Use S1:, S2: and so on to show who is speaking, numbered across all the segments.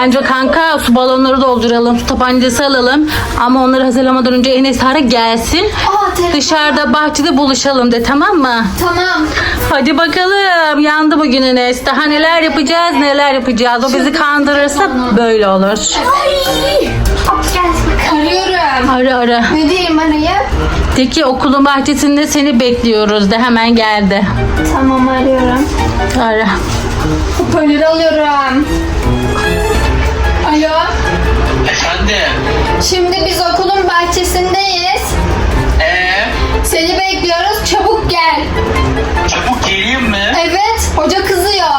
S1: Bence kanka su balonları dolduralım. Su tabancası alalım. Ama onları hazırlamadan önce Enes Sare gelsin. Dışarıda bahçede buluşalım de, tamam mı?
S2: Tamam.
S1: Hadi bakalım. Yandı bugün Enes. Daha neler yapacağız, neler yapacağız. O bizi kandırırsa böyle olur.
S2: Ay. Arıyorum.
S1: Ara.
S2: Ne diyeyim arayıp?
S1: De ki okulun bahçesinde seni bekliyoruz de, hemen geldi.
S2: Tamam arıyorum.
S1: Ara.
S2: Hoparlörü alıyorum. Alo.
S3: Efendim?
S2: Şimdi biz okulun bahçesindeyiz. Seni bekliyoruz. Çabuk gel.
S3: Çabuk geleyim mi?
S2: Evet. Hoca kızıyor.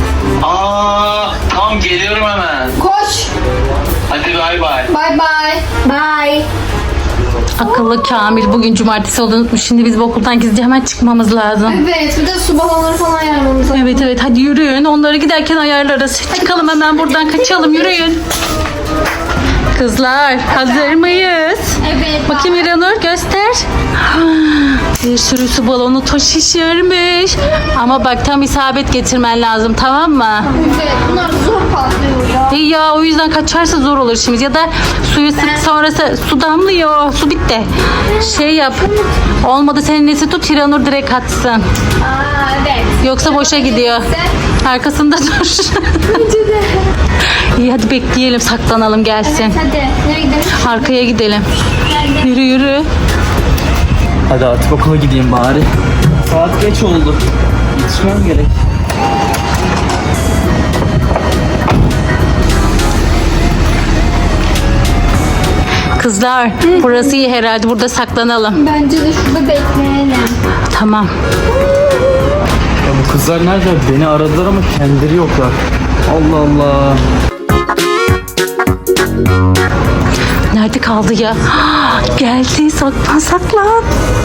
S3: Tamam geliyorum hemen.
S2: Koş.
S3: Hadi bay bay.
S2: Bye bye. Bye.
S1: Akıllı Kamil bugün cumartesi olduğunu unutmuş. Şimdi biz bu okuldan gizlice hemen çıkmamız lazım.
S2: Evet. Bir de su balonları falan ayarlamamız lazım.
S1: Evet hadi yürüyün. Onları giderken ayarlarız. Çıkalım hemen buradan, kaçalım, yürüyün. Kızlar hazır mıyız?
S2: Evet.
S1: Bakayım İranur, göster. Bir sürü su balonu toz şişirmiş. Ama bak tam isabet getirmen lazım, tamam mı?
S2: Evet. Bunlar zor patlıyor ya.
S1: İyi ya, o yüzden kaçarsa zor olur şimdi. Ya da suyu sık, sonrası su damlıyor. Su bitti. Şey yap. Olmadı senin nesi tut, İranur direkt atsın.
S2: Evet.
S1: Yoksa boşa gidiyor. Arkasında dur.
S2: Bence de.
S1: İyi hadi bekleyelim, saklanalım gelsin.
S2: Hadi. Nereye gidelim?
S1: Arkaya gidelim.
S2: Nerede?
S1: Yürü.
S4: Hadi artık okula gideyim bari. Saat geç oldu. Yetişmem gerek.
S1: Kızlar burası iyi herhalde, burada saklanalım.
S2: Bence de şurada bekleyelim.
S1: Tamam.
S4: Ya bu kızlar nerede? Beni aradılar ama kendileri yoklar. Allah Allah.
S1: Nerede kaldı ya? Geldi, saklan.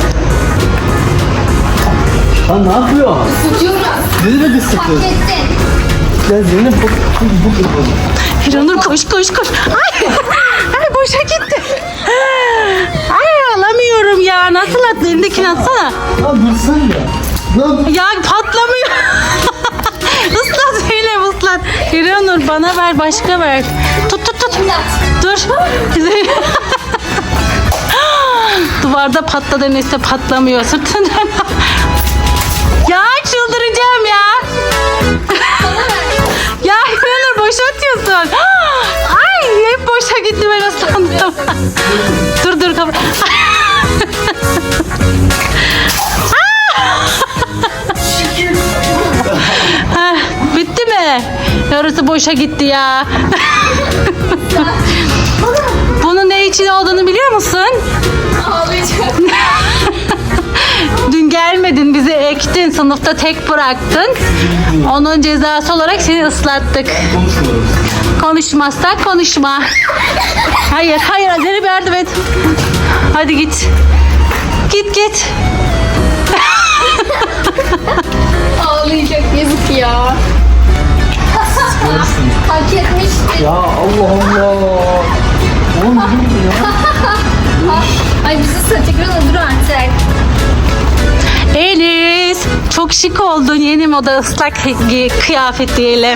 S4: Lan ne yapıyor?
S2: Tutuyoruz.
S4: Ne demek
S2: Fark
S4: ısıtıyor?
S2: ettin.
S4: Ya Zeynep bu
S1: Hiranur koş. Ay boşa gitti. Ay alamıyorum ya. Nasıl at? Elindekini atsana.
S4: Lan dursana ya. Lan
S1: Ya patlamıyor. Islat Zeynep, ıslat. Hiranur bana ver, başka ver. Tut. Dur. Duvarda patladı, neyse patlamıyor. Sırtından. Ya çıldıracağım ya. Ya Hiranur boşa atıyorsun. Ay hep boşa gitti, ben ıslandım. Dur kapı. Bitti mi? Yarısı boşa gitti ya. Bunun ne için olduğunu biliyor musun?
S2: Ağlayacağım.
S1: Dün gelmedin, bizi ektin, sınıfta tek bıraktın. Onun cezası olarak seni ıslattık.
S4: konuşmuyoruz.
S1: Konuşmazsak konuşma. Hayır Zeynep yardım et. Hadi git. Git.
S2: Ağlayacak, yazık ya. Hak etmişti.
S4: Ya Allah Allah. Oğlum ne bu ya?
S2: Ay bizi tekrar dur artık.
S1: Elis, çok şık oldun. Yeni moda ıslak kıyafet diyelim.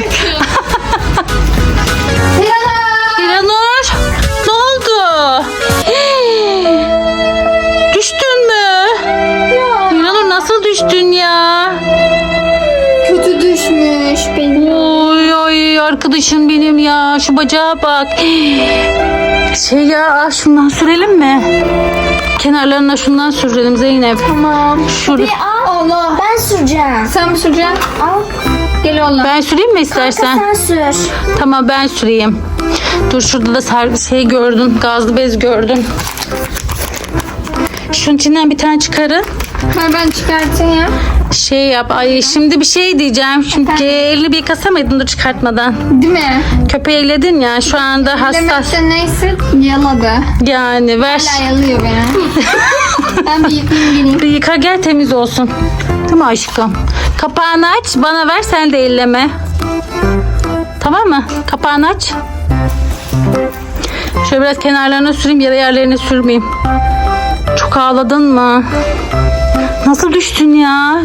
S1: İranur, ne oldu? Düştün mü? İranur nasıl düştün ya?
S2: Kötü düşmüş benim.
S1: Oy arkadaşım benim ya, şu bacağa bak. Şundan sürelim mi? Kenarlarına şundan sürelim Zeynep.
S2: Tamam.
S1: Şurada.
S2: Allah.
S5: Ben süreceğim.
S2: Sen mi süreceksin?
S5: Al.
S2: Gel oğlum.
S1: Ben süreyim mi istersen?
S5: Sen sür.
S1: Tamam ben süreyim. Dur şurada da gördüm. Gazlı bez gördüm. Şunun içinden bir tane çıkarın.
S2: Ben çıkartayım.
S1: Yap. Ay şimdi bir şey diyeceğim. Çünkü elini bir yıkasamaydın dur çıkartmadan.
S2: Değil mi?
S1: Köpeği elledin ya, şu anda hassas.
S2: Demekte neyse yaladı.
S1: Yani ver.
S2: Hala yalıyor beni. Ben bir yıkayayım geleyim.
S1: Bir yıka gel, temiz olsun. Değil mi aşkım? Kapağını aç, bana ver, sen de elleme. Tamam mı? Kapağını aç. Şöyle biraz kenarlarına süreyim, yara yerlerine sürmeyeyim. Çok ağladın mı? Nasıl düştün ya?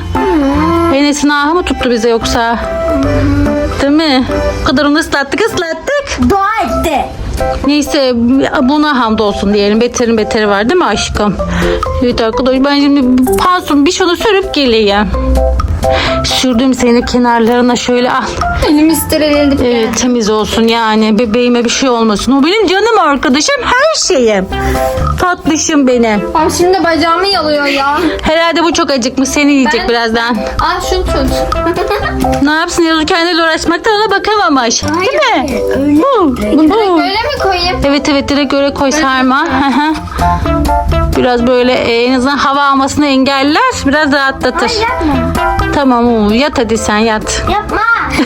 S1: Enes'in ahı mı tuttu bize yoksa? Değil mi? O kadar onu ıslattık.
S2: dua etti.
S1: Neyse buna hamdolsun diyelim. Beterin beteri var değil mi aşkım? Evet arkadaşlar ben şimdi pansumu bir şunu sürüp geleyim. Sürdüm seni kenarlarına şöyle al.
S2: Elimi stereledik.
S1: Evet temiz olsun yani bebeğime bir şey olmasın. O benim canım arkadaşım her şeyim. Tatlışım benim.
S2: Abi şimdi bacağımı yalıyor ya.
S1: Herhalde bu çok acıkmış seni yiyecek
S2: Ben-
S1: birazdan.
S2: Al şunu tut.
S1: Ne yapsın Yavuz kendiyle uğraşmaktan ona bakamamış. Değil mi? Bu.
S2: Direkt böyle mi koyayım?
S1: Evet direkt öyle koy sarma. Hı hı. Biraz böyle en azından hava almasını engeller. Biraz rahatlatır.
S2: Yapma.
S1: Tamam yat hadi sen yat.
S2: Yapma.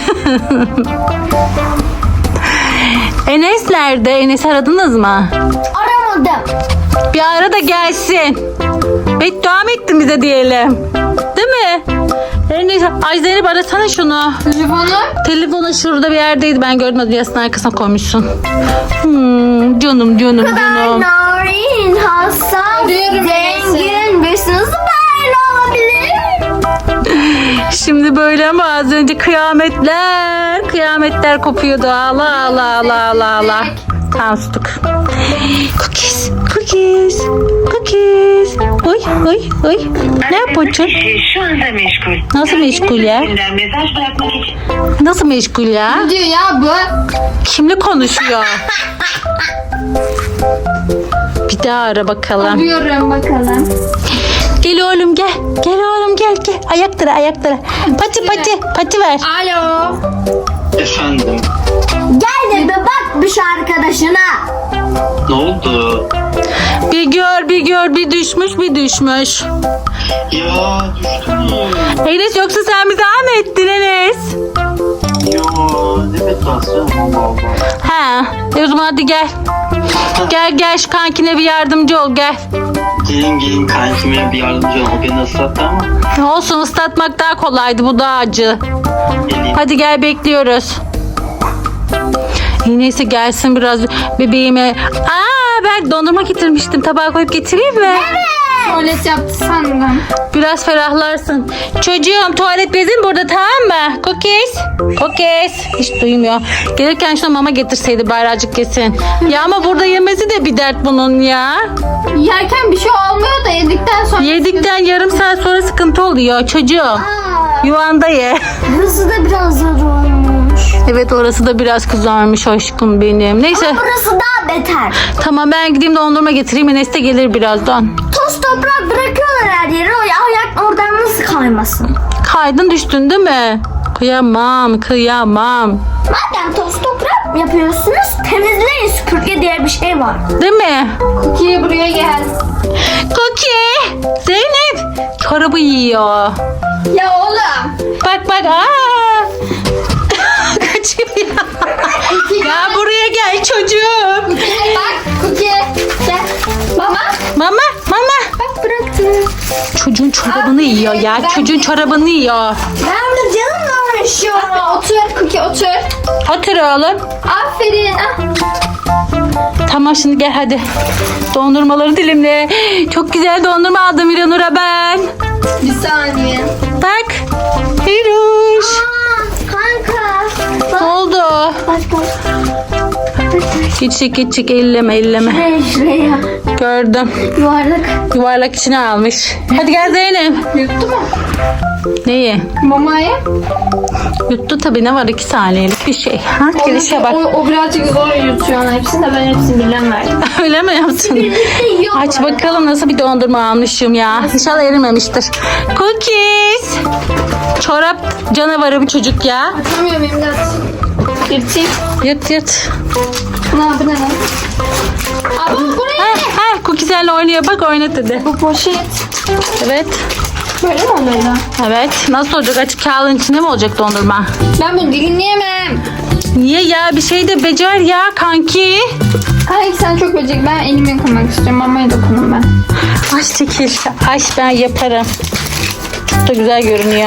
S1: Enes nerede? Enes'i aradınız mı?
S2: Aramadım.
S1: Bir ara da gelsin. Beddua mı ettin bize diyelim. Değil mi? Enes, ay Zeynep arasana şunu.
S2: Telefonu.
S1: Telefonu şurada bir yerdeydi. Ben gördüm odasının arkasına koymuşsun. Canım.
S2: Narin, hassas, zengin. Biz nasıl böyle olabilir?
S1: Şimdi böyle ama az önce kıyametler kopuyordu. Allah. Tamam sustuk. Cookies. Oy. Ne yapıyorsun?
S5: Şu anda meşgul.
S1: Nasıl meşgul ya?
S5: Kendinize mesaj bırakmak için.
S1: Nasıl meşgul ya?
S2: Ne diyor ya bu?
S1: Kimle konuşuyor? Bir daha ara bakalım.
S2: Arıyorum bakalım.
S1: Gel oğlum gel. Gel oğlum gel. Ayaklara. Pati ver.
S2: Alo.
S3: Efendim.
S2: Gel de bir bak bir şu arkadaşına.
S3: Ne oldu?
S1: Bir gör bir düşmüş.
S3: Ya düştüm ya.
S1: Enes yoksa sen bizi mı ettin Enes?
S3: Ya ne betasyon Allah.
S1: Ha, o zaman hadi gel. Gel şu kankine bir yardımcı ol gel.
S3: Gelin kankime bir yardımcı ol. O beni ıslattı ama.
S1: Olsun ıslatmak daha kolaydı bu daha acı.
S3: Gelin.
S1: Hadi gel bekliyoruz. Neyse gelsin biraz bebeğime. Ben dondurma getirmiştim. Tabağa koyup getireyim mi?
S2: Tuvalet yaptı sandım.
S1: Biraz ferahlarsın. Çocuğum tuvalet bezin burada tamam mı? Cookies. Hiç duymuyor. Gelirken şuna mama getirseydi bayracık yesin. Ya ama burada yemesi de bir dert bunun ya.
S2: Yerken bir şey olmuyor da yedikten sonra.
S1: Yedikten yarım saat sonra sıkıntı oluyor çocuğum. Yuvanda ye.
S2: Burası da biraz zor olmuş.
S1: Evet orası da biraz kızarmış aşkım benim. Neyse
S2: Burası daha beter.
S1: tamam ben gideyim dondurma getireyim. Enes de gelir birazdan.
S2: Toz toprak bırakıyorlar her yere. O ayak oradan nasıl kaymasın?
S1: Kaydın düştün değil mi? Kıyamam.
S2: Madem toz toprak yapıyorsunuz temizleyin, süpürge diye bir şey var.
S1: Değil mi?
S2: Cookie'ye buraya gel.
S1: Cookie. Zeynep. Çorabı yiyor.
S2: Ya oğlum.
S1: Bak. Kaçıyor. Ya buraya gel çocuğum.
S2: Bak Cookie. Gel. Mama.
S1: Mama.
S2: Bak bıraktım.
S1: Çocuğun çorabını yiyor ya. Çocuğun çorabını yiyor.
S2: Ben de canımla uğraşıyorum. Otur Cookie otur.
S1: Otur oğlum.
S2: Aferin.
S1: Tamam şimdi gel hadi. Dondurmaları dilimle. Çok güzel dondurma aldım İranur'a ben.
S2: Bir saniye.
S1: Bak. Hiruş.
S2: Kanka.
S1: Ne oldu?
S2: Bak.
S1: Küçük elleme.
S2: Şuraya.
S1: Gördüm. Yuvarlak içine almış. Hadi gel Zeynep.
S2: Yuttu mu?
S1: Neyi?
S2: Mamayı.
S1: Yuttu tabii ne var 2 saniyelik bir şey. Ha, gelişe bak.
S2: O birazcık zor yutuyor hepsini de ben hepsini birden verdim.
S1: Öyle mi yaptın?
S2: Birlikte yiyor.
S1: Aç bakalım nasıl bir dondurma almışım ya. İnşallah erimemiştir. Cookies. Çorap canavarı bir çocuk ya.
S2: Atamıyorum imdat. Yırtayım.
S1: Yırt.
S2: Bu ne lan? Aa bu ne?
S1: Cookiees'lerle oynuyor. Bak oynat dedi.
S2: Bu poşet.
S1: Evet.
S2: Böyle mi oluyor?
S1: Evet. Nasıl olacak? Açık kağıdın içinde mi olacak dondurma?
S2: Ben bunu dinleyemem.
S1: Niye ya? Bir şey de becer ya kanki.
S2: Kanki sen çok böcek. Ben elimi yıkamak istiyorum. Mamaya dokunum ben.
S1: Ay çekil. Ay ben yaparım. Çok da güzel görünüyor.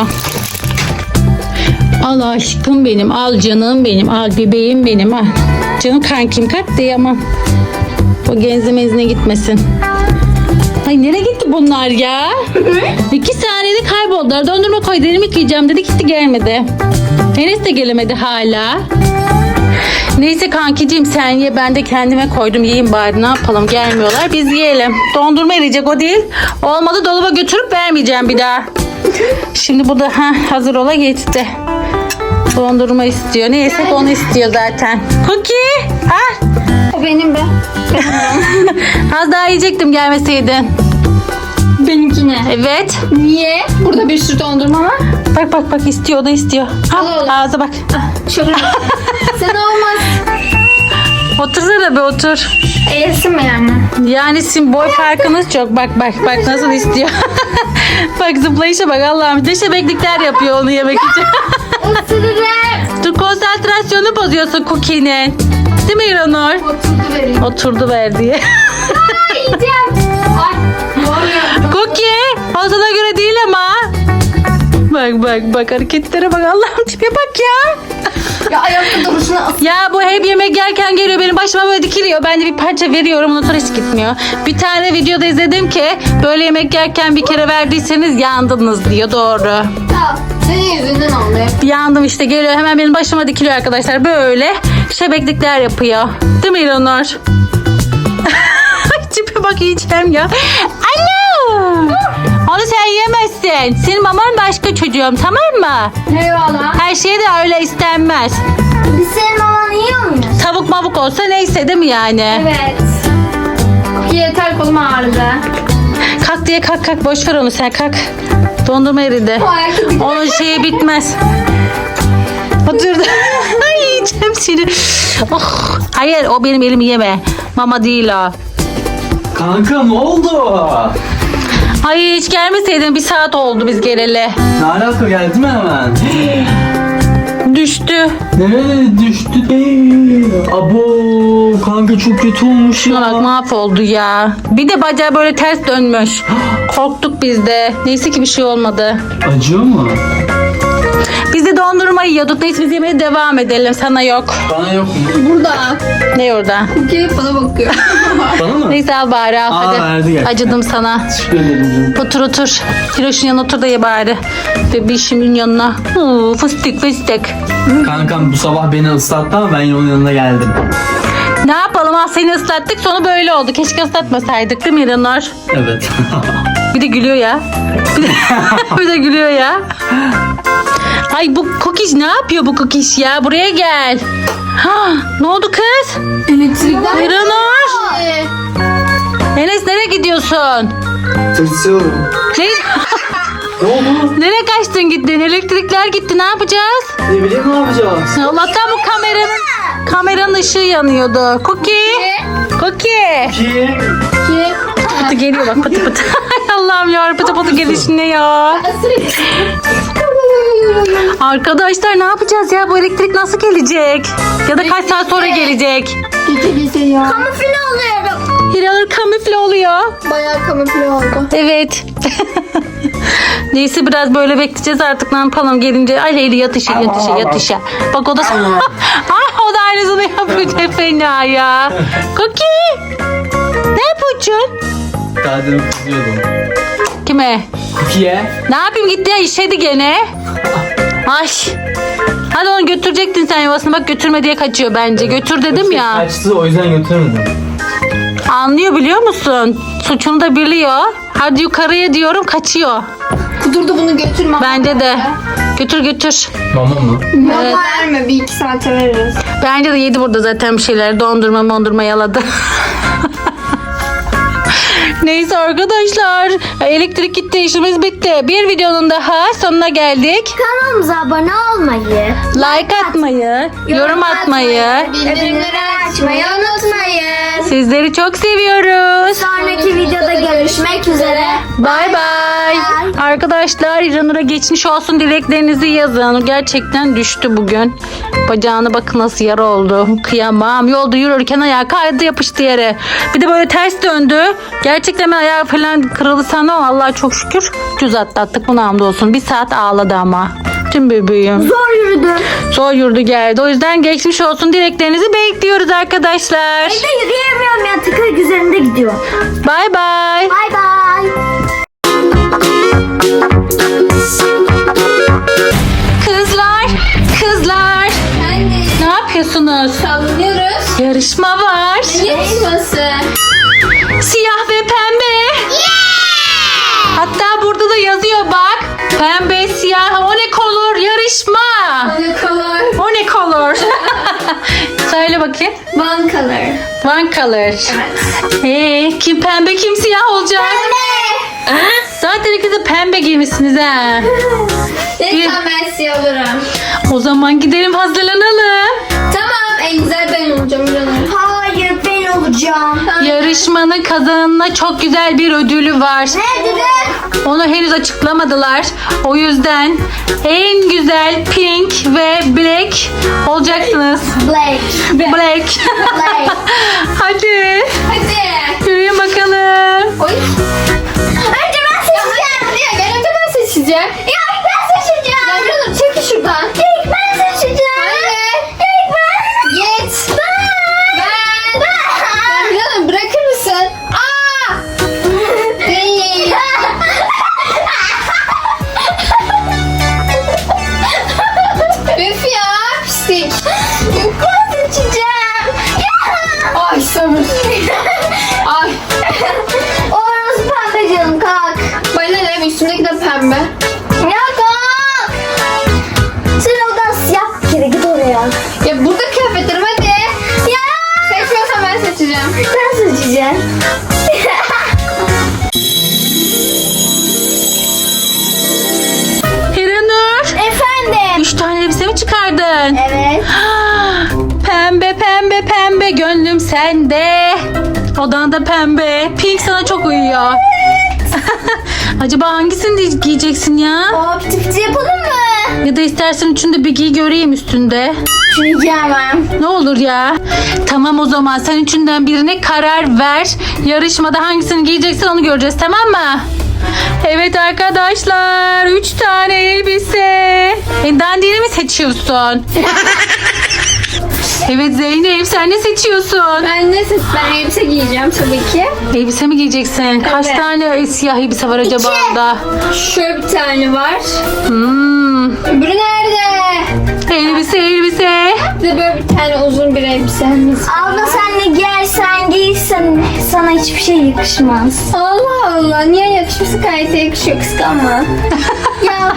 S1: Al aşkım benim. Al canım benim. Al bebeğim benim. Al. Canım kankim katlayamam. O genzemezine gitmesin. Ay nereye gitti bunlar ya? 2 saniyede kayboldular. Dondurma koy elimi yıkayacağım dedi gitti gelmedi. Enes de gelemedi hala. Neyse kankicim sen ye, ben de kendime koydum, yiyeyim bari, ne yapalım, gelmiyorlar biz yiyelim. Dondurma eriyecek, o değil. Olmadı dolaba götürüp vermeyeceğim bir daha. Şimdi bu da hazır ola geçti. Dondurma istiyor. Ne yesek onu istiyor zaten. Cookie.
S2: O benim be.
S1: Az daha yiyecektim gelmeseydin.
S2: Benimkine.
S1: Evet.
S2: Niye? Burada bir sürü dondurma var.
S1: Bak istiyor, o da istiyor.
S2: Al oğlum.
S1: Ağza bak.
S2: Şöyle. Sen olmaz.
S1: Otursana be, otur.
S2: Eğilsin mi yani?
S1: Yani sizin boy farkınız çok. Bak nasıl istiyor. Bak zıplayışa bak, Allah'ım. Ne şebeklikler yapıyor onu yemek için.
S2: Isırırım.
S1: Dur, konsantrasyonu bozuyorsun Cookie'nin. Değil mi İranur?
S2: Oturdu vereyim.
S1: Oturdu ver diye.
S2: Yiyeceğim. Ay. Ne oluyor?
S1: Cookie, o sana göre değil ama. Bak hareketlere bak, Allah'ım tipe bak ya.
S2: Ya ayakta duruşuna
S1: Ya bu hep yemek yerken geliyor benim başıma, böyle dikiliyor. Ben de bir parça veriyorum, ondan sonra hiç gitmiyor. Bir tane videoda izledim ki böyle yemek yerken bir kere verdiyseniz yandınız diyor, doğru.
S2: Ya senin yüzünden oldu.
S1: Yandım işte, geliyor hemen benim başıma dikiliyor arkadaşlar. Böyle şebeklikler yapıyor. Değil mi İranur? Tipe bak, yiyeceğim ya. Alo! Onu sen yemezsin. Senin maman başka çocuğum, tamam mı?
S2: Eyvallah.
S1: Her şeye de öyle istenmez.
S2: Biz senin mamanı yiyor muyuz?
S1: Tavuk mavuk olsa neyse, değil mi yani?
S2: Evet. Yeter, kolum ağrıdı.
S1: Kalk diye kalk, boş ver onu, sen kalk. Dondurma eridi.
S2: O ayakta bir
S1: Onun şeyi bitmez. Oturdu. Ay, yiyeceğim seni. Oh. Hayır, o benim elimi yeme. Mama değil o.
S4: Kanka ne oldu?
S1: Ay hiç gelmeseydin, bir saat oldu biz geleli.
S4: Ne alaka, geldi mi hemen?
S1: Düştü.
S4: Nereye düştü? Abo kanka çok kötü olmuş
S1: Şuna bak,
S4: ya.
S1: mahvoldu ya. Bir de bacağı böyle ters dönmüş. Korktuk biz de. Neyse ki bir şey olmadı.
S4: Acıyor mu?
S1: Biz de dondurma yiyorduk. Neyse biz yemeğe devam edelim. Sana yok.
S4: Bana yok mu?
S2: burada.
S1: Ne orada?
S2: Cookie bana bakıyor.
S4: Bana mı?
S1: Neyse al bari, al hadi.
S4: verdi gerçekten.
S1: Acıdım sana.
S4: Teşekkür ederim canım.
S1: Otur. Hiroş'un yanına otur da ye bari. Bebişimin yanına. Fıstık.
S4: Kankam bu sabah beni ıslattı ama ben yine onun yanına geldim.
S1: Ne yapalım, seni ıslattık, sonu böyle oldu. Keşke ıslatmasaydık, değil mi İranur?
S4: Evet.
S1: Bir de gülüyor ya. Bir de gülüyor ya. Ay bu kokiş ne yapıyor, bu kokiş ya? Buraya gel. Ne oldu kız?
S2: Elektrikler.
S1: İranur. Enes nereye gidiyorsun?
S4: Tırsıyorum.
S1: Ne?
S4: Ne oldu?
S1: Nereye kaçtın gittin? Elektrikler gitti, ne yapacağız?
S4: Ne bileyim ne yapacağız?
S1: Allah'tan bu kameranın ışığı yanıyordu. Cookie.
S4: Ki.
S1: Pıtı geliyor bak, pıtı. Ay Allah'ım ya, pıtı gelişine ya. Arkadaşlar ne yapacağız ya? Bu elektrik nasıl gelecek? Ya da kaç saat sonra gelecek?
S2: Kamufle oluyorum.
S1: Hiranur kamufle oluyor.
S2: Bayağı kamufle oldu.
S1: Evet. Neyse biraz böyle bekleyeceğiz artık, ne yapalım gelince. Ay Leyli yat işe. Bak o da o da aynısını yapıyor, ne fena ya. Cookie. Ne yapıyorsun?
S4: Daha demin kızıyordum.
S1: Kime?
S4: Cookie'ye.
S1: Ne yapayım, gitti ya, işedi gene. Ay. Hadi onu götürecektin sen yuvasına, bak götürme diye kaçıyor bence. Götür dedim ya.
S4: Kaçtı, o yüzden götüremedim.
S1: Anlıyor, biliyor musun? Suçunu da biliyor. Hadi yukarıya diyorum, kaçıyor.
S2: Kudurdu, bunu götürme.
S1: Bence de. Götür.
S4: Mama mı?
S2: Evet. Verme, bir iki saate veririz.
S1: Bence de yedi burada zaten bir şeyler. Dondurma yaladı. Neyse arkadaşlar. Elektrik gitti, işimiz bitti. Bir videonun daha sonuna geldik.
S2: Kanalımıza abone olmayı,
S1: Like atmayı, yorum atmayı.
S2: bildirimleri açmayı unutmayın.
S1: Sizleri çok seviyoruz.
S2: Sonraki videoda görüşmek üzere.
S1: Bay bay. Arkadaşlar İranur'a geçmiş olsun dileklerinizi yazın. Gerçekten düştü bugün. Bacağına bakın nasıl yara oldu. Kıyamam. Yolda yürürken ayağı kaydı, yapıştı yere. Bir de böyle ters döndü. Gerçekten ben ayağı falan kırıldı sandım ama Allah'a çok şükür düz atlattık, buna hamdolsun. Bir saat ağladı ama. Tüm bebeğim. Zor yürüdü geldi. O yüzden geçmiş olsun dileklerinizi bekliyoruz arkadaşlar.
S2: Evde yürüyemiyorum ya, tıkır üzerinde gidiyor.
S1: Bay bay.
S2: Bay bay.
S1: Kızlar. Ne yapıyorsunuz? yarışma var.
S2: Yarışması.
S1: Siyah ve pembe. Hatta burada da yazıyor bak. Pembe, siyah, o ne color yarışma.
S2: Ne color?
S1: O ne color? Söyle bakayım.
S2: One color.
S1: One color. Kim pembe kim siyah olacak? Zaten ikiniz de pembe giymişsiniz ha.
S2: Lütfen ben siyah olurum.
S1: O zaman gidelim hazırlanalım.
S2: Tamam, en güzel ben olacağım canım. Hayır, ben olacağım.
S1: Yarışmanın kazananına çok güzel bir ödülü var.
S2: Ne dedi?
S1: Onu henüz açıklamadılar. O yüzden en güzel pink ve black olacaksınız.
S2: Black.
S1: Black. Hadi.
S2: Hadi.
S1: Yürüyün bakalım.
S2: Oy. Önce ben seçeceğim. Ya gel önce ben seçeceğim. Ya ben seçeceğim. Ya canım çekil şuradan. İlk ben seçeceğim. Hayır. İlk ben. Git. Ben. Canım bırakır mısın? Aa. Değil. Üf ya pislik. İlk ben seçeceğim. Ay sabır. Ay. Orası pembe canım kalk. Bana ne üstündeki de pembe. Ya kalk. Sen oradan siyah bir kere git oraya. Ya burada kıyafetlerim hadi. Ya. Seçmiyorsan ben seçeceğim. Ben seçeceğim.
S1: Hiranur.
S2: Efendim.
S1: 3 tane elbise mi çıkardın?
S2: Evet.
S1: Pembe pembe pembe gönlüm sende. Odan da pembe. Pink sana çok uyuyor. Acaba hangisini giyeceksin ya?
S2: O piti piti yapalım mı?
S1: Ya da istersen üçünü de bir giy göreyim üstünde.
S2: Şunu giyemem.
S1: Ne olur ya. Tamam o zaman sen üçünden birine karar ver. Yarışmada hangisini giyeceksin onu göreceğiz, tamam mı? Evet arkadaşlar 3 tane elbise. Dandini mi seçiyorsun? Evet Zeynep sen ne seçiyorsun?
S2: Ben elbise giyeceğim tabii ki.
S1: Elbise mi giyeceksin? Kaç
S2: Evet.
S1: tane siyah elbise var acaba
S2: İki.
S1: orada?
S2: Şöyle bir tane var. Öbürü nerede?
S1: Elbise.
S2: Bir de böyle bir tane uzun bir elbisemiz.
S6: Abla sen ne giyersen giysen sana hiçbir şey yakışmaz.
S2: Allah Allah, niye yakışması gayet yakışıyor, kıskanma.
S6: Ya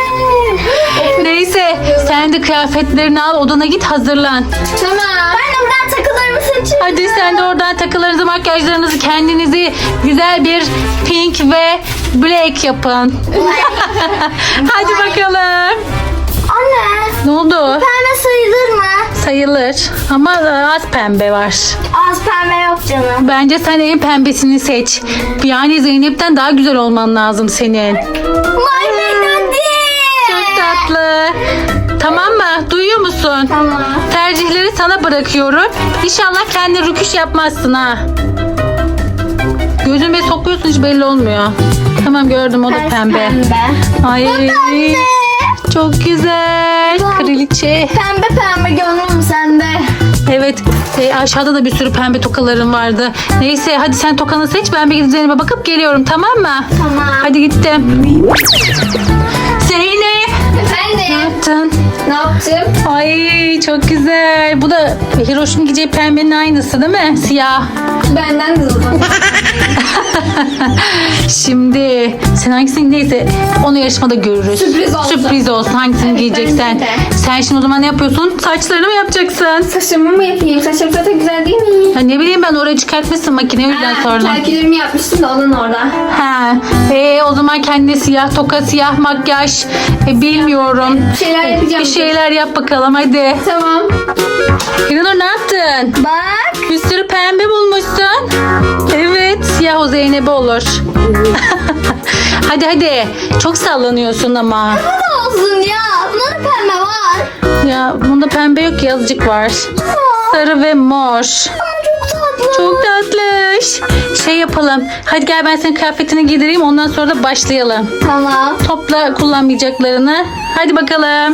S1: Neyse sen de kıyafetlerini al odana git hazırlan.
S2: Tamam.
S6: ben de buradan takılarımı seçeyim.
S1: Hadi sen de oradan takılarınızı makyajlarınızı kendinizi güzel bir pink ve black yapın. Hadi bakalım.
S6: Anne
S1: Ne oldu?
S6: pembe sayılır mı?
S1: Sayılır ama az pembe var.
S6: Az pembe yok canım.
S1: Bence sen en pembesini seç. Yani Zeynep'ten daha güzel olman lazım senin. Çok tatlı. Tamam mı? Duyuyor musun?
S6: Tamam.
S1: Tercihleri sana bırakıyorum. İnşallah kendi rüküş yapmazsın ha. Gözüme sokuyorsun hiç belli olmuyor. Tamam gördüm o da pembe. Ay çok güzel. Kraliçe.
S6: Pembe gönlüm sende.
S1: Evet aşağıda da bir sürü pembe tokalarım vardı. Neyse hadi sen tokanı seç ben bir gidip Zeynep'e bakıp geliyorum tamam mı?
S6: Tamam.
S1: Hadi gittim. Zeynep.
S2: Efendim,
S1: Yaptın.
S2: ne yaptım?
S1: Ay çok güzel. Bu da Hiroş'un giyeceği pembenin aynısı değil mi? Siyah.
S2: Benden de uzun.
S1: Şimdi sen hangisini neyse onu yarışmada görürüz.
S2: Sürpriz olsun.
S1: Sürpriz olsun hangisini
S2: Evet,
S1: giyeceksen.
S2: bence de.
S1: Sen şimdi o zaman ne yapıyorsun? Saçlarını mı yapacaksın?
S2: Saçımı mı yapayım? Saçım zaten güzel değil mi?
S1: Ha, ne bileyim ben oraya çıkartmışsın makine o yüzden sordum.
S2: Terkilerimi yapmıştım da onun orada.
S1: Ha, o zaman kendine siyah toka, siyah makyaj bilmiyorum.
S2: Bir şeyler yapacağım.
S1: Bir şeyler yap bakalım hadi.
S2: Tamam.
S1: İranur ne yaptın?
S6: Bak.
S1: Bir sürü pembe bulmuşsun. Evet siyah o Zeynep'e olur. hadi. Çok sallanıyorsun ama.
S6: Olsun ya. Bunda da pembe var.
S1: Ya bunda pembe yok ki azıcık var. Sarı ve mor.
S6: Çok tatlı.
S1: Çok tatlış. Şey yapalım. Hadi gel ben senin kıyafetini giydireyim ondan sonra da başlayalım.
S6: Tamam.
S1: Topla kullanmayacaklarını. Hadi bakalım.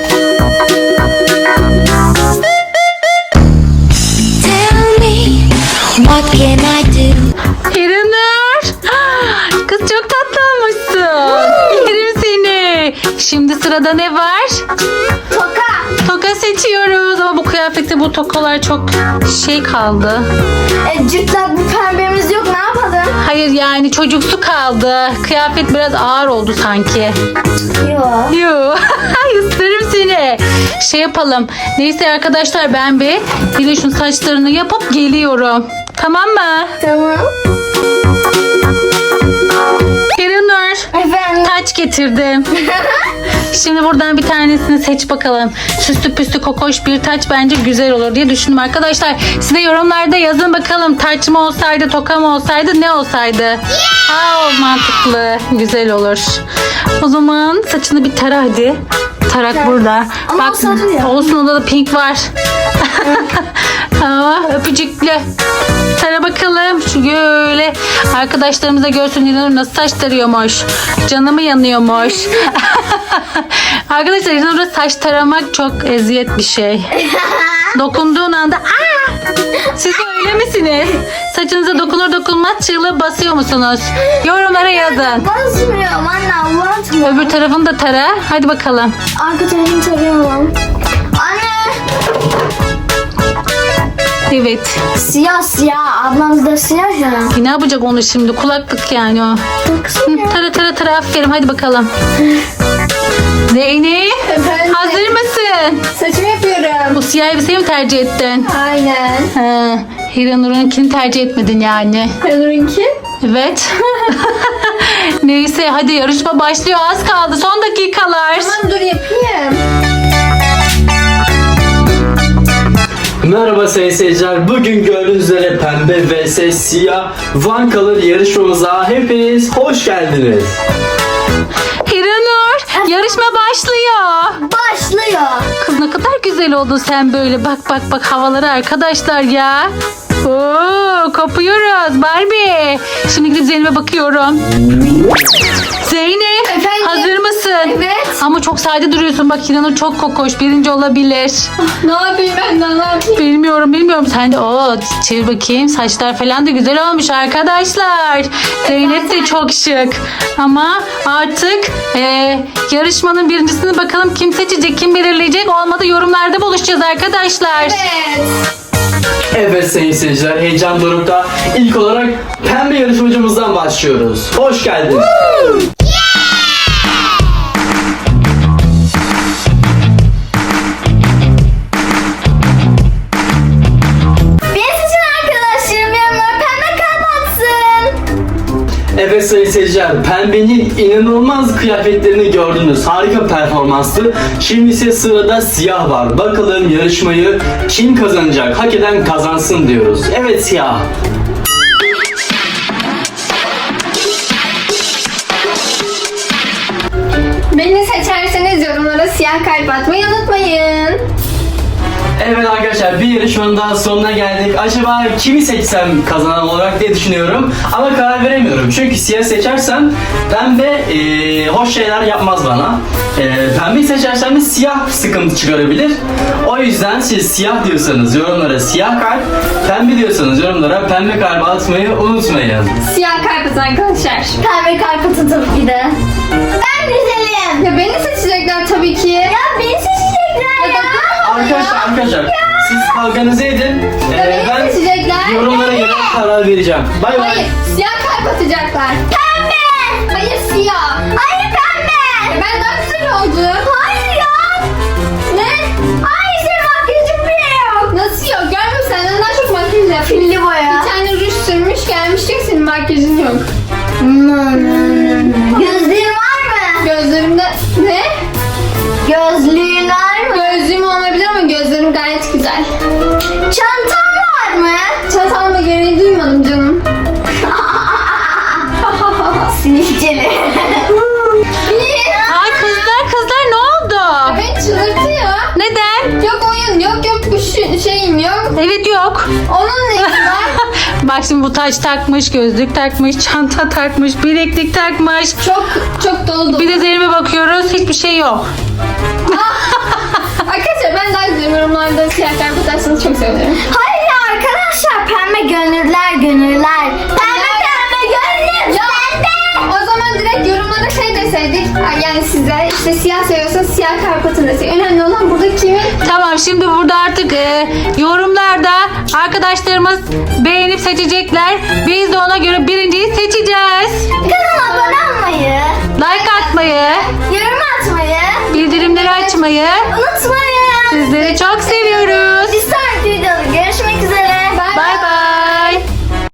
S7: Tell me, what can I do?
S1: Hiranur. Kız çok tatlı olmuşsun. Yerim seni. Şimdi sırada ne var?
S6: Toka.
S1: Toka toka seçiyoruz. Ama bu kıyafette bu tokalar çok şey kaldı.
S6: Cırtlak bir pembemiz yok, ne yapalım?
S1: Hayır yani çocuksu kaldı. Kıyafet biraz ağır oldu sanki.
S6: Yok.
S1: Yoo. Isırırım seni. Şey yapalım. Neyse arkadaşlar ben bir Diloş'un saçlarını yapıp geliyorum. Tamam mı?
S6: Tamam.
S1: Perinur.
S6: Efendim.
S1: Taç getirdim. Şimdi buradan bir tanesini seç bakalım. Süslü püslü kokoş bir taç bence güzel olur diye düşündüm arkadaşlar. Size yorumlarda yazın bakalım taç mı olsaydı, toka mı olsaydı, ne olsaydı? Aa, mantıklı. Güzel olur. O zaman saçını bir tara hadi. Tarak burada.
S6: Ama o sarı ya.
S1: olsun, onda da pink var. Aa, öpücüklü. Tara bakalım. Şöyle arkadaşlarımız da görsün İlhanur nasıl saç tarıyormuş. Canımı yanıyormuş. Arkadaşlar İlhanur'a saç taramak çok eziyet bir şey. Dokunduğun anda aa! Siz de öyle misiniz? Saçınıza dokunur dokunmaz çığlığı basıyor musunuz? Yorumlara yazın.
S6: Basmıyorum anne, abartma.
S1: Öbür tarafını da tara. Hadi bakalım.
S6: Arka tarafını tarıyorum. Anne.
S1: Evet.
S6: Siyah siyah. Ablamız da siyah ya.
S1: Ne yapacak onu şimdi? Kulaklık yani o.
S6: Baksana.
S1: Tara tara tara, aferin, hadi bakalım. Zeynep,
S2: Efendim?
S1: hazır mısın?
S2: Saçımı yapıyorum.
S1: Bu siyah elbiseyi mi tercih ettin?
S2: Aynen.
S1: He, Hiranur'unkini tercih etmedin yani.
S2: Perinur'unki?
S1: Evet. Neyse hadi yarışma başlıyor, az kaldı, son dakikalar.
S2: Tamam dur yapayım.
S4: Merhaba sayın seyirciler. Bugün gördüğünüz üzere pembe vs siyah One Color yarışmamıza hepiniz hoş geldiniz.
S1: Hiranur, yarışma başlıyor.
S6: Başlıyor.
S1: Kız ne kadar güzel oldun sen böyle. Bak bak bak havaları arkadaşlar ya. Oo, kopuyoruz Barbie. Şimdi gidip Zeynep'e bakıyorum. Zeynep,
S2: Efendim?
S1: hazır mısın?
S2: Evet.
S1: Ama çok sade duruyorsun. Bak Hiranur çok kokoş. Birinci olabilir.
S2: Ne yapayım ben de, ne yapayım?
S1: Bilmiyorum. Sen de çevir bakayım. Saçlar falan da güzel olmuş arkadaşlar. Zeynep de çok şık. Ama artık yarışmanın birincisini bakalım kim seçecek, kim belirleyecek. Olmadı yorumlarda buluşacağız arkadaşlar.
S2: Evet.
S4: Evet sayın seyirciler, heyecan dorukta. İlk olarak pembe yarışmacımızdan başlıyoruz. Hoş geldiniz.
S6: Beni seçin arkadaşlarım, yanına pembe kalp atsın.
S4: Evet sayın seyirciler, pembenin inanılmaz kıyafetlerini gördünüz. Harika performanslı. Şimdi ise sırada siyah var. Bakalım yarışmayı kim kazanacak? Hak eden kazansın diyoruz. Evet siyah.
S2: Beni seçerseniz yorumlara siyah kalp atmayı unutmayın.
S4: Evet arkadaşlar, bir yarışmanın daha sonuna geldik. Acaba kimi seçsem kazanan olarak diye düşünüyorum. Ama karar veremiyorum. Çünkü siyah seçersem pembe hoş şeyler yapmaz bana. Pembeyi seçersem de siyah sıkıntı çıkarabilir. O yüzden siz siyah diyorsanız yorumlara siyah kalp, pembe diyorsanız yorumlara pembe kalp atmayı unutmayın.
S2: Siyah kalp atın arkadaşlar.
S6: Pembe kalp atın tabii ki de. Ben güzelim.
S2: Ya beni seçecekler tabii ki.
S6: Ya beni seçecekler ya.
S4: Arkadaşlar siz kavganızı edin.
S2: Beni
S4: Ben
S2: seçecekler.
S4: yorumlara göre karar vereceğim. Bay bay.
S2: Hayır, siyah kalp atacaklar.
S6: Pembe.
S2: Hayır siyah.
S6: Hayır pembe.
S2: Ben daha güzel oldum.
S6: Hayır ya.
S2: Ne?
S6: Hayır senin makyajın bile yok.
S2: Nasıl yok? Görmüyor musun? Senden daha çok makyaj yap.
S6: Filli boya.
S2: Bir tane ruj sürmüş gelmiştik, senin makyajın yok.
S6: Gözlüğün var mı?
S2: Gözlerimde ne?
S6: Gözlüğün var mı?
S2: Gözlüğüm olmayabilir ama gözlerim gayet güzel.
S6: Çantan var mı?
S2: Çatalma gereği duymadım canım.
S6: Sivilceli.
S1: Ay kızlar ne oldu?
S2: Beni çıldırtıyor.
S1: Neden?
S2: Yok oyun, yok bu şeyim yok.
S1: Evet yok.
S2: Onun neyi var?
S1: Bak şimdi bu taç takmış, gözlük takmış, çanta takmış, bileklik takmış.
S2: Çok dolu.
S1: Bir de Zeynep'e bakıyoruz, hiçbir şey yok.
S2: Arkadaşlar ben daha güzel yorumlarda siyah kalp atarsanız çok sevinirim.
S6: Hayır ya arkadaşlar, pembe gönüller. Pembe gönül
S2: Ya,
S6: sende.
S2: o zaman direkt yorumlara şey desin. sevdik. Yani sizler işte siyah seviyorsanız siyah kalp atın desin. Önemli olan burada kimin?
S1: Tamam, şimdi burada artık yorumlarda arkadaşlarımız beğenip seçecekler. Biz de ona göre birinciyi seçeceğiz.
S2: Kanala